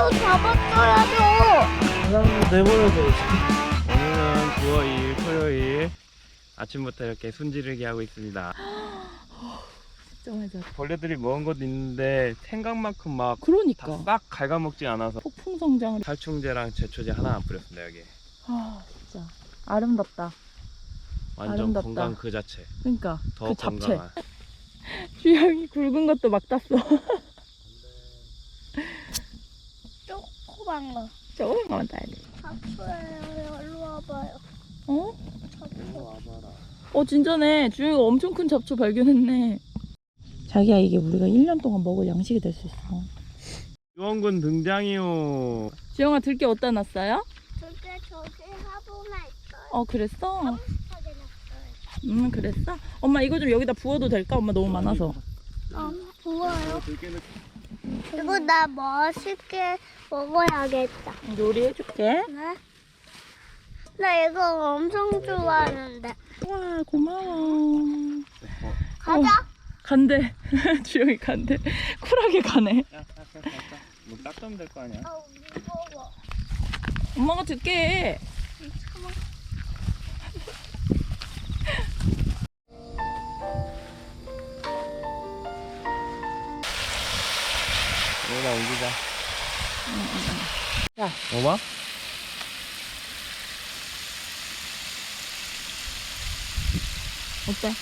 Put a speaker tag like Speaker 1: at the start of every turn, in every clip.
Speaker 1: 저 잡았어야죠.
Speaker 2: 사장님 내버려둬. 오늘은 9월 2일 토요일 아침부터 이렇게 순지르기 하고 있습니다.
Speaker 3: 진짜 맞아.
Speaker 2: 벌레들이 먹은 것도 있는데 생각만큼 막
Speaker 3: 그러니까
Speaker 2: 싹 갉아먹지 않아서
Speaker 3: 폭풍 성장을.
Speaker 2: 살충제랑 제초제 하나 안 뿌렸습니다. 여기
Speaker 3: 아 진짜 아름답다.
Speaker 2: 완전
Speaker 3: 아름답다.
Speaker 2: 건강 그 자체.
Speaker 3: 그러니까
Speaker 2: 더
Speaker 3: 그 잡채.
Speaker 2: 건강한.
Speaker 3: 주영이 굵은 것도 막 땄어.
Speaker 1: 조그만 거.
Speaker 3: 조금만 따야 돼.
Speaker 1: 잡초예요. 일로 와봐요.
Speaker 3: 어?
Speaker 1: 잡초.
Speaker 3: 어 진짜네. 주영이가 엄청 큰 잡초 발견했네. 자기야 이게 우리가 1년 동안 먹을 양식이 될 수 있어.
Speaker 2: 유원군 등장이요.
Speaker 3: 주영아 들깨 어디다 놨어요?
Speaker 1: 그게 저기 화분에 있어요.
Speaker 3: 어 그랬어?
Speaker 1: 깜찍하게 놨어요.
Speaker 3: 그랬어? 엄마 이거 좀 여기다 부어도 될까? 엄마 너무 많아서.
Speaker 1: 부어요. 이거 나 맛있게 먹어야겠다.
Speaker 3: 요리해줄게.
Speaker 1: 네? 나 이거 엄청 좋아하는데.
Speaker 3: 와 고마워.
Speaker 1: 가자.
Speaker 3: 간대. 주영이 간대. 쿨하게 가네.
Speaker 2: 뭐 닦으면 될 거 아니야?
Speaker 1: 무거워.
Speaker 3: 엄마가 듣게.
Speaker 2: 여기다 옮기자.
Speaker 3: 야.
Speaker 2: 먹어봐.
Speaker 3: 어때?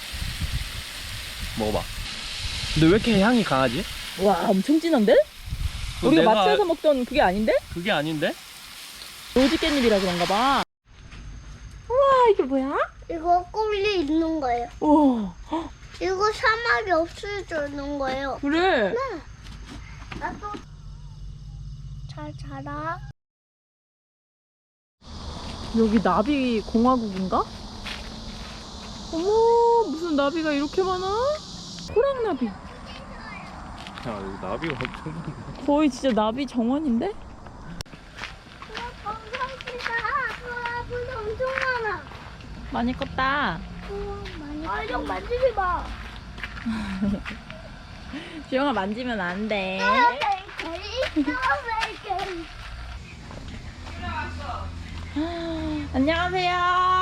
Speaker 2: 먹어봐. 근데 왜 이렇게 향이 강하지?
Speaker 3: 와 엄청 진한데?
Speaker 2: 그거
Speaker 3: 우리가
Speaker 2: 내가-
Speaker 3: 마트에서 먹던 그게 아닌데?
Speaker 2: 그게 아닌데?
Speaker 3: 로지 깻잎이라 그런가 봐. 우와 이게 뭐야?
Speaker 1: 이거 꿀이 있는 거예요.
Speaker 3: 우와
Speaker 1: 이거 사막이 없을 줄 있는 거예요.
Speaker 3: 그래.
Speaker 1: 나도 잘 자라.
Speaker 3: 여기 나비 공화국인가? 어머 무슨 나비가 이렇게 많아? 호랑나비.
Speaker 2: 야 여기 나비가 엄청 많네.
Speaker 3: 거의 진짜 나비 정원인데?
Speaker 1: 감사합니다. 우와, 물 엄청 많아.
Speaker 3: 많이 컸다.
Speaker 1: 우와, 많이. 아, 좀 만지지 마.
Speaker 3: 주영아 만지면 안 돼. 안녕하세요.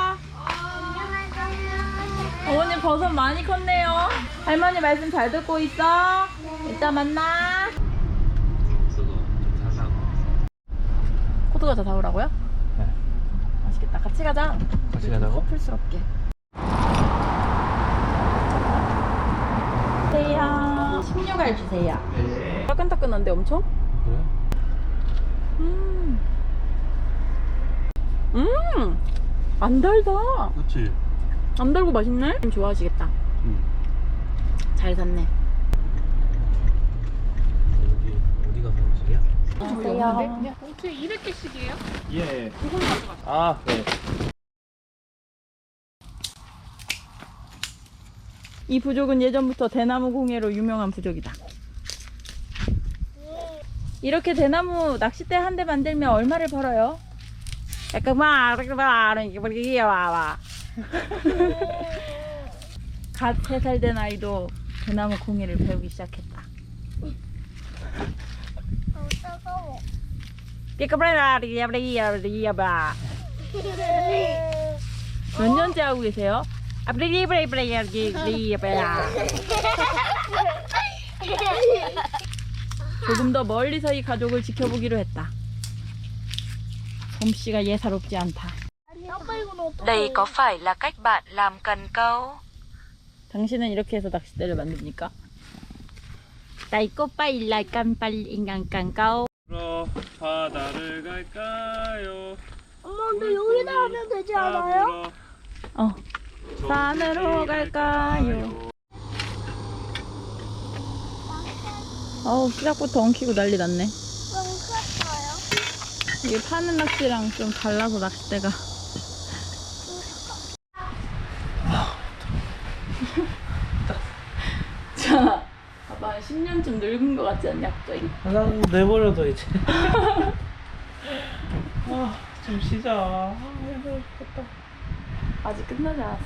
Speaker 3: 어머님 버섯 많이 컸네요. 할머니 말씀 잘 듣고 있어. 이따 만나. 코드가 다 사오라고요?
Speaker 2: 네.
Speaker 3: 맛있겠다. 같이 가자.
Speaker 2: 같이 가자고?
Speaker 3: 커플스럽게. 주세요. 16알 주세요.
Speaker 2: 네.
Speaker 3: 따끈따끈한데 엄청?
Speaker 2: 그래?
Speaker 3: 안 달다.
Speaker 2: 그렇지.
Speaker 3: 안 달고 맛있네? 좋아하시겠다. 잘 샀네.
Speaker 2: 여기 어디가 사무실이야?
Speaker 3: 주세요.
Speaker 4: 봉투에 200개씩이에요?
Speaker 2: 예.
Speaker 4: 이걸 가져가.
Speaker 2: 아, 네.
Speaker 3: 이 부족은 예전부터 대나무 공예로 유명한 부족이다. 이렇게 대나무 낚싯대 한 대 만들면 얼마를 벌어요? 약간 갓 3살 된 아이도 대나무 공예를 배우기 시작했다.
Speaker 1: 따가워.
Speaker 3: 몇 년째 하고 계세요? 조금 더 멀리서 이 가족을 지켜보기로 했다. 솜씨가 예사롭지 않다.
Speaker 1: 아빠 이건 어떡해?
Speaker 5: Đây có phải là cách bạn làm cần câu?
Speaker 3: 당신은 이렇게 해서 낚싯대를 만듭니까? Đây có phải là cần câu?
Speaker 2: 그러 바다를 갈까요?
Speaker 1: 엄마 근데 여기다 하면 되지 않아요?
Speaker 3: 어. 산으로 갈까요? 어우 시작부터 엉키고 난리 났네.
Speaker 1: 좀 컸어요.
Speaker 3: 이게 파는 낚시랑 좀 달라서 낚싯대가. 자, 봐봐 10년쯤 늙은 것 같지 않냐 갑자기?
Speaker 2: 사장님 내버려둬 이제. 아, 좀 쉬자. 아, 힘들었다.
Speaker 3: 아직 끝나지 않았어.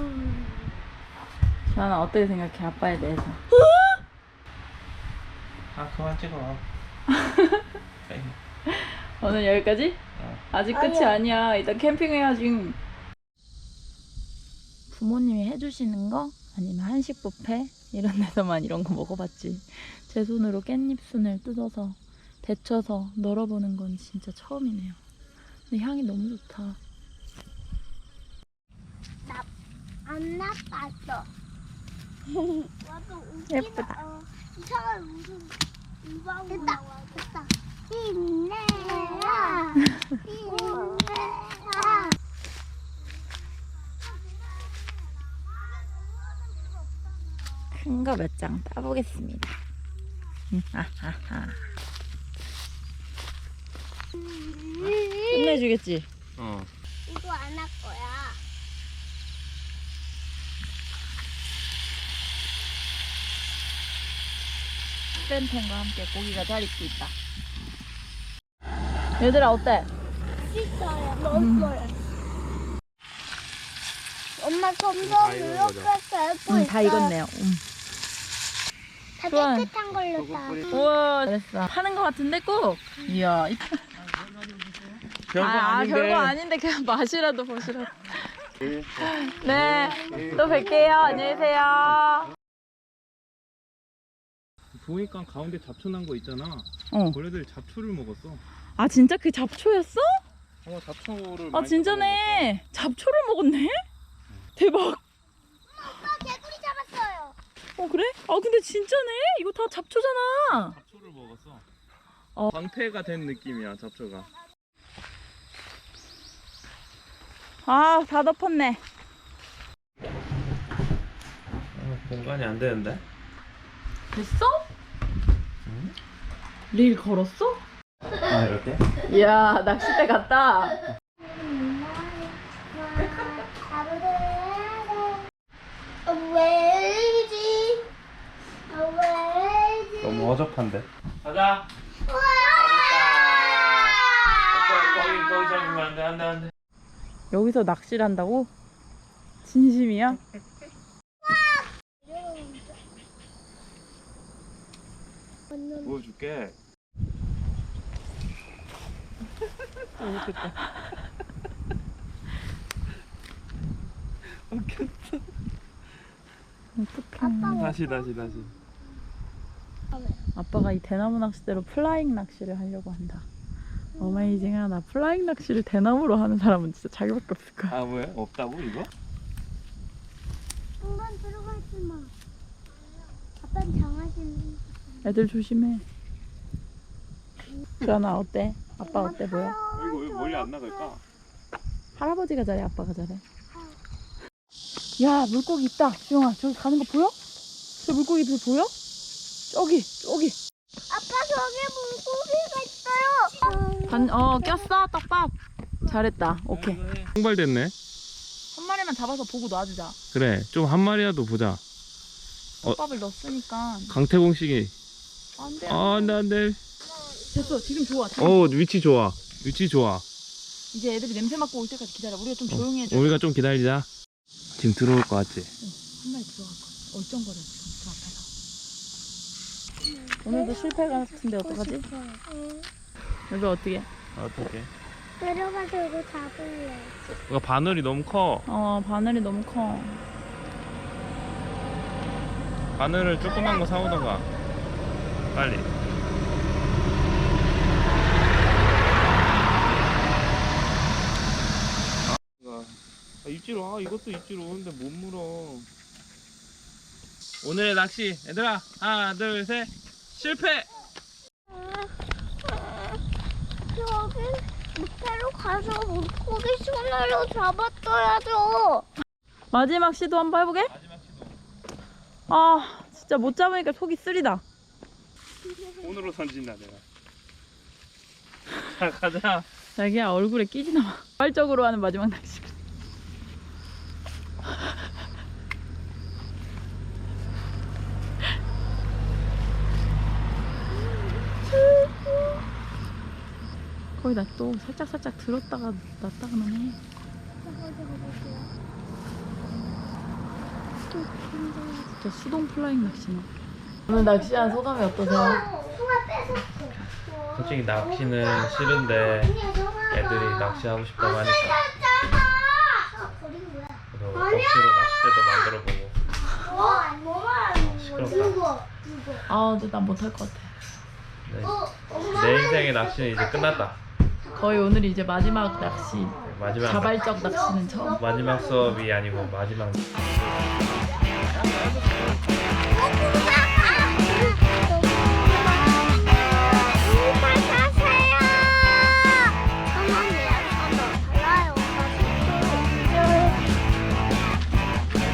Speaker 3: 주하나 어떻게 생각해 아빠에 대해서?
Speaker 2: 아 그만 찍어.
Speaker 3: 오늘 여기까지? 아직 끝이 아니야. 일단 캠핑해야지. 부모님이 해주시는 거? 아니면 한식 뷔페? 이런 데서만 이런 거 먹어봤지. 제 손으로 깻잎순을 뜯어서 데쳐서 널어보는 건 진짜 처음이네요. 근데 향이 너무 좋다.
Speaker 1: 안 나빴어.
Speaker 3: 예쁘다.
Speaker 1: 이상한 무슨 우방우 나와. 됐다. 힘내라. 힘내라.
Speaker 3: 큰 거 몇 장 따보겠습니다. 끝내주겠지?
Speaker 2: 어.
Speaker 1: 이거 안 할 거야.
Speaker 3: 스팸팬과 함께 고기가 잘 익고 있다. 얘들아 어때?
Speaker 1: 씻어요. 넣었어요. 엄마 점점
Speaker 2: 익은 거죠?
Speaker 1: 이렇게 되고 있어요.
Speaker 3: 다 익었네요.
Speaker 1: 다
Speaker 3: 좋아요.
Speaker 1: 깨끗한 걸로 다.
Speaker 3: 우와 잘했어. 하는 거 같은데 꼭? 이야.
Speaker 2: 별거 아닌데.
Speaker 3: 별거 아닌데 그냥 맛이라도 보시라고. 네. 또 뵐게요. 안녕히 계세요.
Speaker 2: 보니까 가운데 잡초 난 거 있잖아.
Speaker 3: 어.
Speaker 2: 원래들 잡초를 먹었어.
Speaker 3: 아 진짜 그 잡초였어?
Speaker 2: 잡초를.
Speaker 3: 아 진짜네. 잡초를 먹었네? 대박.
Speaker 1: 아빠 개구리 잡았어요.
Speaker 3: 어 그래? 아 근데 진짜네. 이거 다 잡초잖아.
Speaker 2: 잡초를 먹었어.
Speaker 3: 어.
Speaker 2: 방패가 된 느낌이야 잡초가.
Speaker 3: 아 다 덮었네.
Speaker 2: 공간이 안 되는데.
Speaker 3: 됐어? 릴 걸었어?
Speaker 2: 아 이렇게?
Speaker 3: 이야 낚싯대 갔다.
Speaker 1: 왜지? 왜지?
Speaker 2: 너무 어접한데. 가자. 거기 잡으면 안 돼, 안 돼, 안 돼.
Speaker 3: 여기서 낚시를 한다고? 진심이야?
Speaker 2: 보여줄게.
Speaker 3: 어떡해.
Speaker 2: 다시.
Speaker 3: 아빠가 이 대나무 낚싯대로 플라잉 낚시를 하려고 한다. 어메이징하다. 플라잉 낚시를 대나무로 하는 사람은 진짜 자기밖에 없을 거야.
Speaker 2: 아 왜? 없다고 이거?
Speaker 1: 한번 들어가지 마. 아빠는 장하시는.
Speaker 3: 애들 조심해. 주연아 어때? 아빠 어때 보여?
Speaker 2: 이거 왜 멀리 안 나갈까?
Speaker 3: 할아버지가 잘해 아빠가 잘해? 야 물고기 있다. 주영아 저기 가는 거 보여? 저 물고기들 보여? 저기
Speaker 1: 아빠 저기 물고기가 있어요.
Speaker 3: 꼈어 떡밥. 잘했다. 오케이.
Speaker 2: 통발됐네.
Speaker 3: 한 마리만 잡아서 보고 놔주자.
Speaker 2: 그래, 좀 한 마리라도 보자.
Speaker 3: 떡밥을 넣었으니까.
Speaker 2: 강태공식이.
Speaker 3: 안돼.
Speaker 2: 안돼.
Speaker 3: 됐어 지금 좋아.
Speaker 2: 위치 좋아.
Speaker 3: 이제 애들이 냄새 맡고 올 때까지 기다려. 우리가 좀 조용히 해줘.
Speaker 2: 우리가 좀 기다리자. 지금 들어올 것 같지?
Speaker 3: 한 마리 들어갈 거야. 얼쩡거려 지금 저 앞에서. 오늘도 실패 같은데 어떡하지? 여기 어떻게?
Speaker 2: 어떻게?
Speaker 1: 내려가서 이거 잡을래.
Speaker 2: 이거 바늘이 너무 커.
Speaker 3: 바늘이 너무 커.
Speaker 2: 바늘을 조그만 거 사오던가. 빨리. 입지로 이것도 입지로 근데 못 물어. 오늘의 낚시 얘들아 하나 둘 셋 실패.
Speaker 1: 저기 밑으로 가서 물고기 손으로 잡았어야죠.
Speaker 3: 마지막 시도 한번 해보게?
Speaker 2: 마지막 시도.
Speaker 3: 아 진짜 못 잡으니까 속이 쓰리다.
Speaker 2: 손으로 던진다 내가. 자 가자.
Speaker 3: 자기야 얼굴에 끼지나 마. 발적으로 하는 마지막 낚시. 거의 나 또 살짝 들었다가 놨다가만 해. 진짜 수동 플라잉 낚시네. 오늘 낚시한 소감이 어떠세요?
Speaker 1: 송아 뺏었어.
Speaker 2: 솔직히 낚시는 싫은데 애들이 낚시하고 싶다고 하니까
Speaker 1: 버린 거야.
Speaker 2: 그래서 억지로 낚싯대도 만들어보고.
Speaker 1: 뭐 말하는
Speaker 2: 시끄럽다.
Speaker 1: 누구?
Speaker 3: 아 근데 난 못할 것 같아.
Speaker 2: 네.
Speaker 1: 엄마.
Speaker 2: 내 인생의 낚시는 이제 끝났다.
Speaker 3: 거의 오늘이 이제 마지막 낚시.
Speaker 2: 마지막
Speaker 3: 자발적 낚시는 처음.
Speaker 2: 마지막 수업이 아니고 마지막.
Speaker 1: 어,